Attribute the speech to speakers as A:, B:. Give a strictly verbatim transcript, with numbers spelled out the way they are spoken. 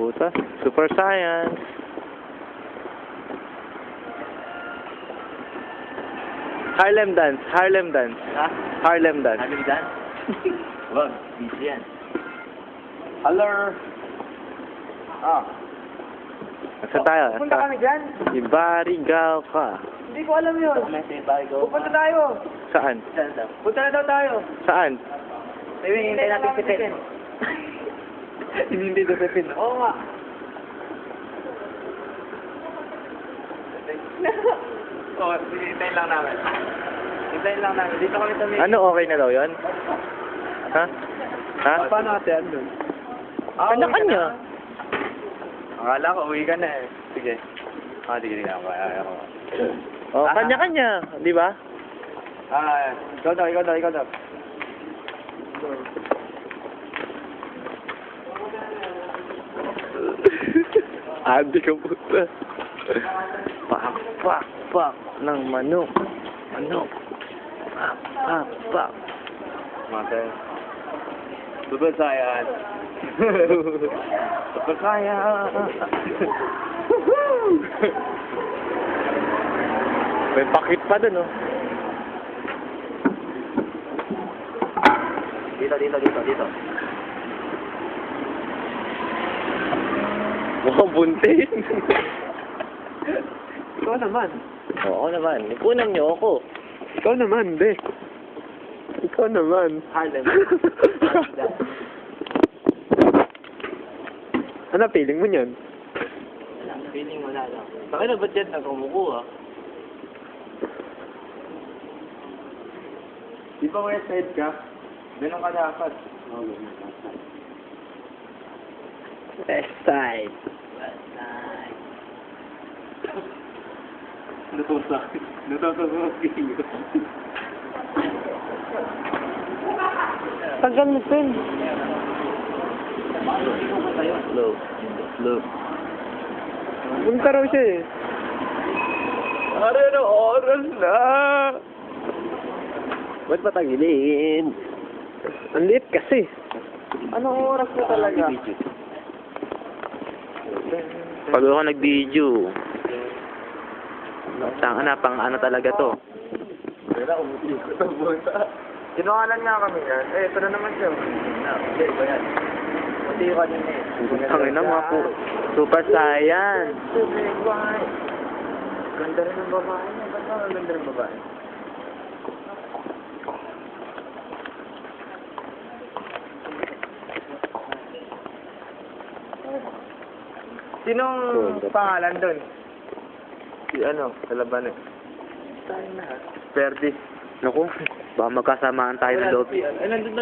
A: Puta, super science. Harlem dance, Harlem dance.
B: Ha?
A: Harlem dance.
B: Harlem dance? Wag, busy yan. Hello. Ah.
A: Saan tayo?
C: Punta kami dyan.
A: Ibarigaw ka.
C: Hindi ko alam yun.
B: Kumete, bago.
C: Pupunta tayo.
A: Saan?
B: Saan daw?
C: Punta na daw tayo.
A: Saan?
B: May hinihintay natin si Pepin.
C: Hinihintay si Pepin. Oo nga. Oo, hinihintay lang namin. Hintayin lang namin. Dito kami sa may...
A: Ano, okay na daw yun? Ha? Ha?
C: Paano natin doon?
A: Kanya-kanya.
C: Akala ko, uwi ka na eh. Sige. Ah, sige, sige. Ako, ako.
A: Oh, kanya-kanya, di ba?
C: Ah, ikaw daw, ikaw daw, ikaw daw.
A: Adi ka puta. Pak, pak, pak ng manok. Manok. Pak, pak, pak.
C: Mate. Super science.
A: Super kaya. May pakit pa dun, oh.
B: Dito, dito, dito, dito.
A: Mukhang buntis.
C: Ikaw naman.
A: Oo naman. Ipunan niyo ako.
C: Ikaw naman, be. Ikaw naman.
B: Harlem.
C: Ano feeling mo niyan?
B: Wala, feeling wala lang. Bakit na ba't dyan na kumukuha?
C: Di ba west side ka? Ganun ka dapat.
A: West side.
B: West side.
C: Natusa. Natusa sa video.
A: Tagal na pin. Slow. Slow.
C: Punta raw siya eh.
A: Are na oras na. Ba't patagilin?
C: Ang liit kasi. Anong oras na talaga?
A: Pag ako nag-video. Saan na, pang ano talaga to?
C: Wala, umutikot ang bunta. Sinukalan nga kami yan. Eh, ito na naman siya.
B: Hindi, ba yan? Hindi ko kanina eh.
A: Tangin na mga po. Super science.
C: Ganda rin ng babae niya. Ba't ba ang ganda ng babae? Sinong pangalan doon? Si ano, sa laban eh.
B: Tayo na.
C: Perdi.
A: Naku, baka magkasamaan tayo ng loob.
B: Ay, nandun